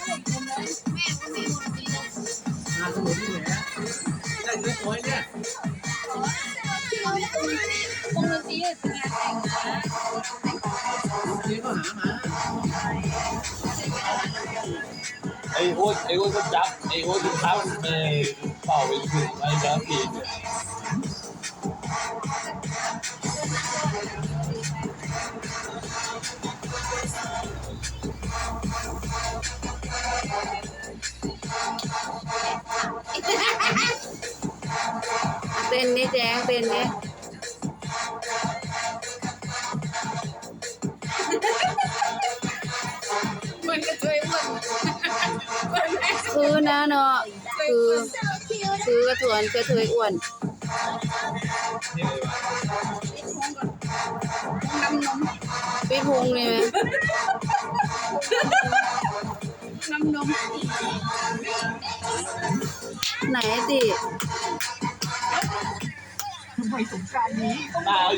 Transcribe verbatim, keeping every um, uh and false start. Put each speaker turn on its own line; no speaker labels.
งานสมุนที่ไหนได้เล็กน้อยเนี่ยว
งดนตรีเป็นงานแต่งนะ
นี่ก็หามา
ไอ้โอ๊ตไอ้โอ๊ตก็จับไอ้โอ๊ตก็ทับไอ้เป่าไปถึงไอ้จับปีน
เต้นนี่แจ้งเต้นนี่
มันก็ช่วยอ้วนมันแม่
คือนะเนาะคือคือกระถวนกระเทยอ้วน
นี่เลยว่ะ
น้ำนม
พี่พุงนี่ไหม
น้ำนม
ไหนติ
ตา